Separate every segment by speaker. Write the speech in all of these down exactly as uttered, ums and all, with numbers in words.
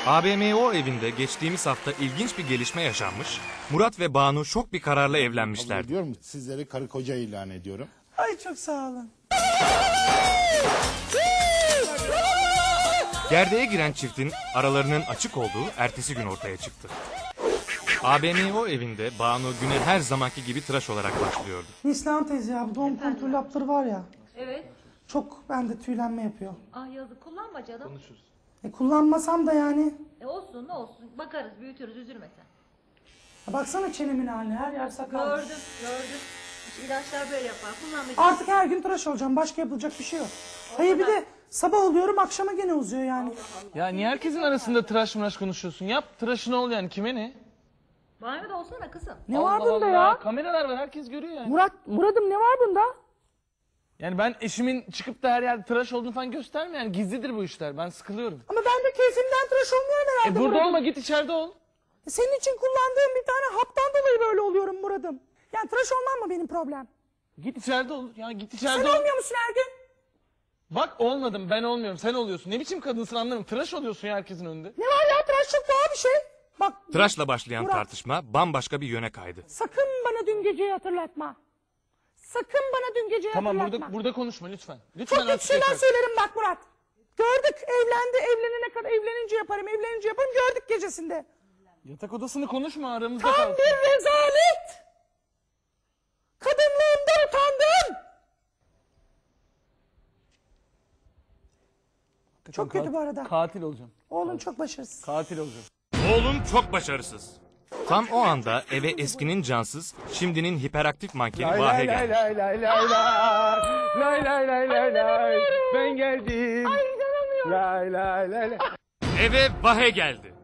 Speaker 1: A B M O evinde geçtiğimiz hafta ilginç bir gelişme yaşanmış. Murat ve Banu şok bir kararla evlenmişlerdi.
Speaker 2: Diyorum sizleri karı koca ilan ediyorum.
Speaker 3: Ay çok sağ olun.
Speaker 1: Gerdeğe giren çiftin aralarının açık olduğu ertesi gün ortaya çıktı. A B M O evinde Banu güne her zamanki gibi tıraş olarak başlıyordu.
Speaker 3: Neslihan teyze ya bu doğum kontrol hapları var ya.
Speaker 4: Evet.
Speaker 3: Çok bende tüylenme yapıyor.
Speaker 4: Ah yazık, kullanma canım. Konuşuruz.
Speaker 3: E kullanmasam da yani.
Speaker 4: E olsun ne olsun. Bakarız, büyütürüz, üzülme sen.
Speaker 3: Ya baksana çenemin haline, her yer sakal.
Speaker 4: Gördüm, gördüm. İşte ilaçlar böyle yapar. Kullanmayacağız.
Speaker 3: Artık her gün tıraş olacağım. Başka yapılacak bir şey yok. Hayır bir de sabah oluyorum akşama gene uzuyor yani.
Speaker 5: Ya niye herkesin arasında tıraş mıraş konuşuyorsun? Yap tıraşını ol yani, kime ne?
Speaker 4: Banyoda olsana kızım.
Speaker 3: Ne
Speaker 5: Allah
Speaker 3: var bunda
Speaker 5: Allah.
Speaker 3: ya?
Speaker 5: Kameralar var, herkes görüyor yani.
Speaker 3: Murat, Murat'ım ne var bunda?
Speaker 5: Yani ben eşimin çıkıp da her yerde tıraş olduğunu falan gösterme yani, gizlidir bu işler, ben sıkılıyorum.
Speaker 3: Ama ben de keyfimden tıraş olmuyorum
Speaker 5: E
Speaker 3: herhalde
Speaker 5: burada
Speaker 3: Murat'ım.
Speaker 5: olma, git içeride ol.
Speaker 3: Senin için kullandığım bir tane haptan dolayı böyle oluyorum Murat'ım. Yani tıraş olmam mı benim problem?
Speaker 5: Git içeride ol. Ya git içeride
Speaker 3: Sen
Speaker 5: ol.
Speaker 3: olmuyor musun her gün?
Speaker 5: Bak olmadım, ben olmuyorum, sen oluyorsun. Ne biçim kadınsın anlamıyorum. Tıraş oluyorsun ya herkesin önünde.
Speaker 3: Ne var ya, tıraş çok doğal bir şey. Bak
Speaker 1: Tıraşla başlayan
Speaker 3: Murat.
Speaker 1: tartışma bambaşka bir yöne kaydı.
Speaker 3: sakın bana dün geceyi hatırlatma. Sakın bana dün geceyi
Speaker 5: Tamam,
Speaker 3: hatırlatma.
Speaker 5: burada burada konuşma lütfen. Lütfen
Speaker 3: Çok kötü
Speaker 5: artık
Speaker 3: şeyler
Speaker 5: yeter.
Speaker 3: söylerim bak Murat. Gördük, evlendi, evlenene kadar evlenince yaparım, evlenince yaparım, gördük gecesinde.
Speaker 5: Yatak odasını konuşma, aramızda
Speaker 3: Tam
Speaker 5: kalsın.
Speaker 3: bir rezalet. Kadınlığımdan utandım. Çok kötü bu arada.
Speaker 5: Katil olacağım.
Speaker 3: Oğlum çok başarısız.
Speaker 5: Katil olacağım.
Speaker 1: Oğlum çok başarısız. Tam o anda eve eskinin cansız, şimdinin hiperaktif mankeni Vahe geldi.
Speaker 5: lay lay lay lay lay lay lay lay ben geldim.
Speaker 3: Ay inanamıyorum.
Speaker 5: Lay lay lay lay.
Speaker 1: Eve Vahe geldi.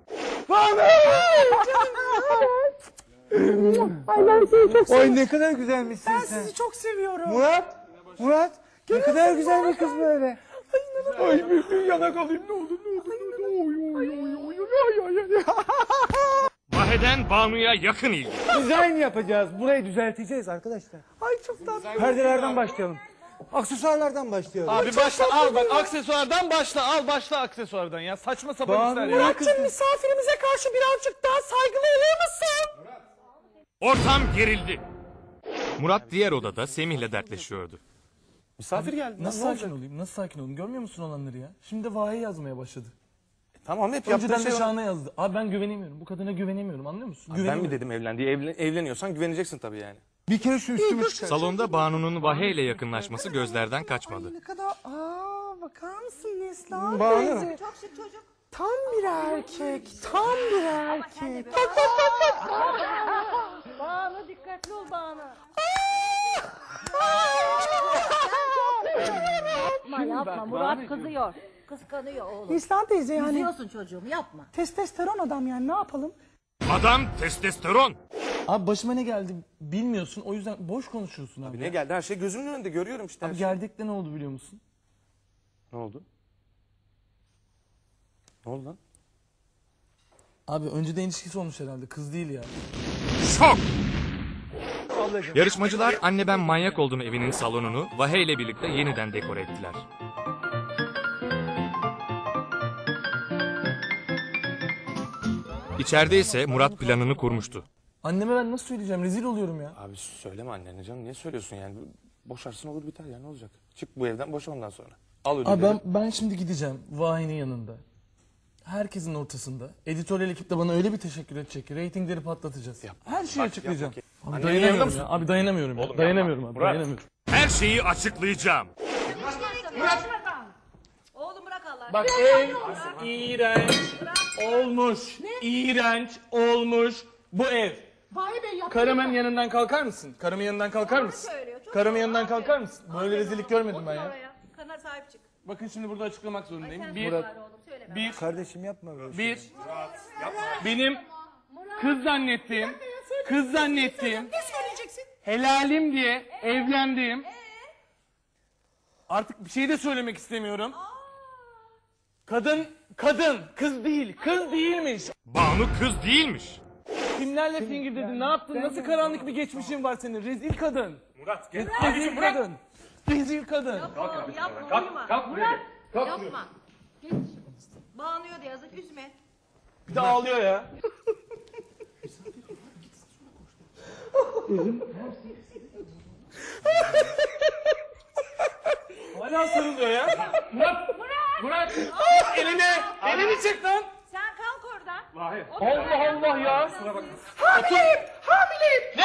Speaker 3: Ay ben seni çok seviyorum.
Speaker 6: Oy ne kadar güzelmişsin
Speaker 3: Ben
Speaker 6: sen.
Speaker 3: sizi çok seviyorum.
Speaker 6: Murat, Murat ne kadar güzel bir kız böyle.
Speaker 5: Ay bir, bir yanak alayım ne olur ne olur. Oy oy oy oy oy oy oy.
Speaker 1: Vahe'den Banu'ya yakın ilgi.
Speaker 6: Dizayn yapacağız. Burayı düzelteceğiz arkadaşlar.
Speaker 3: Ay çok tatlı.
Speaker 6: Perdelerden başlayalım. Aksesuarlardan başlayalım.
Speaker 5: Abi başla al bak, aksesuardan başla, al başla aksesuardan ya, saçma sapan
Speaker 6: Banu,
Speaker 5: işler ya.
Speaker 3: Murat'cığım misafirimize karşı birazcık daha saygılı olur musun?
Speaker 1: Ortam gerildi. Murat diğer odada Semih'le dertleşiyordu.
Speaker 5: Misafir geldi. Nasıl
Speaker 6: Ne
Speaker 5: sakin
Speaker 6: olacak?
Speaker 5: olayım? Nasıl sakin olayım? Görmüyor musun olanları ya? Şimdi de Vahe yazmaya başladı.
Speaker 6: Tamam hep
Speaker 5: Önceden
Speaker 6: yaptığın
Speaker 5: de
Speaker 6: şey var.
Speaker 5: Şahan'a yazdı. Abi ben güvenemiyorum. Bu kadına güvenemiyorum, anlıyor musun?
Speaker 7: Ben
Speaker 5: Güvenemiyorum.
Speaker 7: mi dedim evlen diye? Evlen, evleniyorsan güveneceksin tabii yani.
Speaker 6: Bir kere şu üstümü çıkar.
Speaker 1: Salonda Banu'nun Vahe ile yakınlaşması gözlerden kaçmadı.
Speaker 3: Ne kadar... Aa bakar mısın Neslihan
Speaker 6: Banu.
Speaker 3: teyze?
Speaker 4: Çok şık çocuk.
Speaker 3: Tam bir erkek. Tam bir erkek.
Speaker 4: Banu dikkatli ol Banu. Yapma yapma, Murat kızıyor. Kıskanıyor oğlum.
Speaker 3: Neslihan teyze yani
Speaker 4: Üzüyorsun çocuğum, yapma.
Speaker 3: testosteron adam yani ne yapalım?
Speaker 1: Adam testosteron.
Speaker 5: Abi başıma ne geldi bilmiyorsun, o yüzden boş konuşuyorsun abi.
Speaker 7: Ne geldi? Her şey gözümün önünde görüyorum işte. her
Speaker 5: Abi
Speaker 7: şey.
Speaker 5: gerdekte ne oldu biliyor musun?
Speaker 7: Ne oldu? Ne oldu lan?
Speaker 5: Abi önceden ilişkisi olmuş herhalde, kız değil yani.
Speaker 1: Şok. Yarışmacılar Anne Ben Manyak Oldum evinin salonunu Vahe ile birlikte yeniden dekore ettiler. İçeride ise Murat planını kurmuştu.
Speaker 5: Anneme ben nasıl söyleyeceğim, rezil oluyorum ya.
Speaker 7: Abi söyleme annene canım. Niye söylüyorsun yani? Boşarsın olur biter ya, ne olacak? Çık bu evden, boşa ondan sonra. Al ödülleri.
Speaker 5: Abi ben, ben şimdi gideceğim Vahi'nin yanında. Herkesin ortasında. Editörel ekip de bana öyle bir teşekkür edecek ki reytingleri patlatacağız.
Speaker 7: Yap.
Speaker 5: Her şeyi
Speaker 7: Bak,
Speaker 5: açıklayacağım.
Speaker 7: yap
Speaker 5: Abi
Speaker 7: bakayım.
Speaker 5: dayanamıyorum
Speaker 7: Annenin
Speaker 5: ya.
Speaker 7: yanında
Speaker 5: Abi dayanamıyorum ya.
Speaker 7: Oğlum
Speaker 5: dayanamıyorum
Speaker 7: yapma.
Speaker 5: abi.
Speaker 7: Murat.
Speaker 5: Dayanamıyorum.
Speaker 1: Her şeyi açıklayacağım.
Speaker 4: Oğlum bırak Allah.
Speaker 5: Bak ev iğrenç olmuş. İğrenç olmuş bu ev.
Speaker 3: Vay be yap.
Speaker 5: Karımın yanından kalkar mısın? Karımın yanından kalkar mısın?
Speaker 4: söylüyor, çok
Speaker 5: Karımın
Speaker 4: doğru.
Speaker 5: yanından
Speaker 4: Aferin.
Speaker 5: kalkar mısın? Böyle rezillik görmedim ben ya.
Speaker 4: Oraya. Kana sahip çık.
Speaker 5: Bakın şimdi burada açıklamak zorundayım.
Speaker 4: Sen
Speaker 5: Bir,
Speaker 4: söyle bari oğlum, söyleme.
Speaker 5: bir,
Speaker 6: Kardeşim yapma böyle.
Speaker 5: bir. Benim kız zannettiğim, kız zannettiğim,
Speaker 3: Ne söyleyeceksin?
Speaker 5: helalim diye evlendiğim. Artık bir şey de söylemek istemiyorum. Kadın, kadın, kız değil, kız değilmiş.
Speaker 1: Banu kız değilmiş.
Speaker 5: Kimlerle fingir dedin, ne yaptın, nasıl karanlık bir geçmişin var senin, rezil kadın. Murat, gel. Rezil kadın. Rezil kadın.
Speaker 4: Yapma oğlum, yapma, uyuma. Murat, yapma. Geç. Banu'ya da yazık, üzme.
Speaker 5: Bir de ağlıyor ya. Hala sarılıyor ya. Murat! Murat! Elini! Elini çek lan!
Speaker 4: Sen kalk oradan.
Speaker 5: Allah Allah ya!
Speaker 3: Hamileyim! Hamileyim!
Speaker 5: Ne?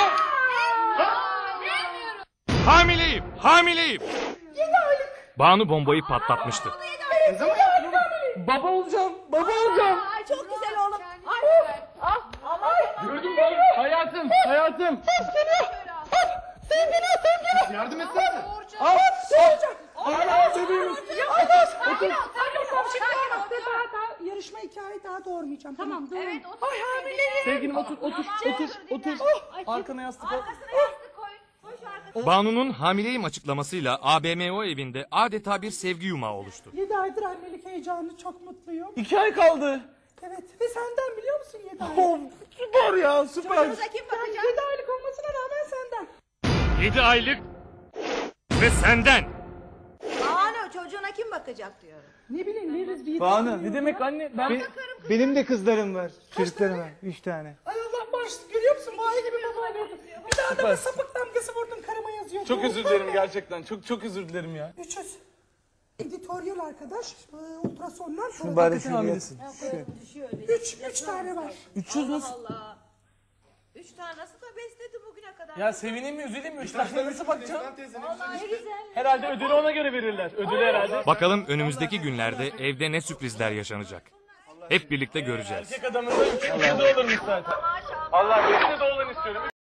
Speaker 1: Hamileyim! Hamileyim! Banu bombayı patlatmıştı.
Speaker 5: Baba olacağım! Baba olacağım!
Speaker 4: Ay çok güzel oğlum. Ay. Ah, aman.
Speaker 5: Gördün mü? Hayatım! Hayatım!
Speaker 2: Yardım etsene.
Speaker 5: Al!
Speaker 3: Soracağım.
Speaker 5: Al! Bebeğim!
Speaker 3: Ya otur. Otur. Şimdi daha, daha, daha yarışma hikaye daha doğurmayacağım. Tamam doğru.
Speaker 4: Evet otur.
Speaker 3: Ay hamileyim.
Speaker 5: Sevgilim otur, otur, otur, otur.
Speaker 4: Ay,
Speaker 5: Arkana yastık al.
Speaker 4: Arkasına yastık koy. Koy şu arkasına.
Speaker 1: Banu'nun hamileyim açıklamasıyla A B M O evinde adeta bir sevgi yumağı oluştu.
Speaker 3: Yedi aydır annelik heyecanı, çok mutluyum.
Speaker 5: İki ay kaldı.
Speaker 3: Evet ve senden biliyor musun yedi aylık?
Speaker 5: Oh, süper ya, süper.
Speaker 4: Çocuğunuza kim bakacak?
Speaker 3: Yedi aylık olmasına rağmen senden.
Speaker 1: yedi aylık ve senden.
Speaker 4: Banu çocuğuna kim bakacak diyorum.
Speaker 3: Ne bileyim veririz bir
Speaker 5: Banu, ne demek anne? Ben...
Speaker 6: Be- benim de kızlarım var. Çocuklarım var. Üç tane.
Speaker 3: Ay Allah bağışlasın, görüyor musun? Vay gibi baba verdim. Bir daha da bir sapık damgası vurdum, karıma yazıyor.
Speaker 5: Çok özür dilerim gerçekten. Çok çok özür dilerim ya.
Speaker 3: üç yüz. Editoryal arkadaş, e, ultrasonlar.
Speaker 6: Bari
Speaker 5: Hakikaten
Speaker 6: şuraya.
Speaker 5: hamilesin.
Speaker 4: Düşüyor öyle.
Speaker 3: Üç, üç tane var.
Speaker 5: üç yüz nasıl?
Speaker 4: Allah. Üç tane nasıl da besledi bugüne kadar.
Speaker 5: Ya sevineyim mi, üzüleyim mi? Üç tane nasıl bakacağım?
Speaker 4: Vallahi ne güzel.
Speaker 5: Herhalde ödülü ona göre verirler. Ödülü herhalde.
Speaker 1: Bakalım önümüzdeki günlerde evde ne sürprizler yaşanacak. Hep birlikte göreceğiz.
Speaker 5: Erkek adamın da üç yüz de olurmuş zaten. Allah benim de oğlan istiyorum.